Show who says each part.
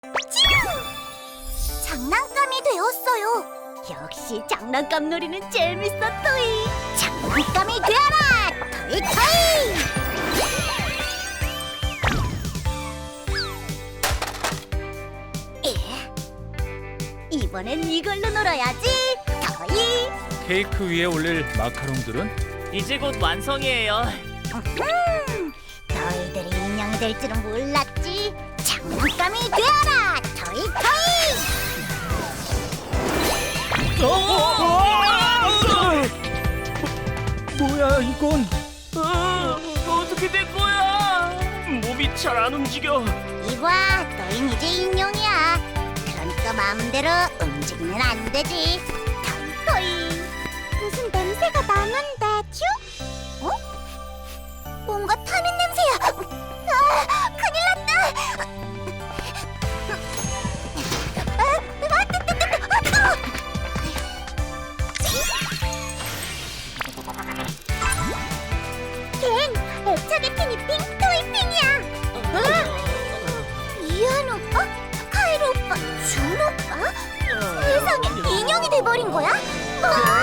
Speaker 1: 장난감이 되었어요. 역시 장난감 놀이는 재밌어, 토이. 장난감이 되어라, 토이 토이. 이번엔 이걸로 놀아야지, 토이.
Speaker 2: 케이크 위에 올릴 마카롱들은
Speaker 3: 이제 곧 완성이에요.
Speaker 1: 너희들이 인형이 될 줄은 몰랐지. 장난감이 되어라, 토이 토이.
Speaker 2: 뭐야 이건?
Speaker 3: 어떻게 된 거야? 몸이 잘 안 움직여.
Speaker 1: 이봐, 너흰 이제 인형이야. 그러니까 마음대로 움직이면 안 되지. 토이. 무슨 냄새가 나는데, 쭈? 어? 뭔가 타는 냄새야. 아, 큰일 났다. 걘 애착의 피니핑 토이핑이야. 이한 오빠? 카이로 오빠? 준 오빠? 세상에, 인형이 돼버린 거야? 와!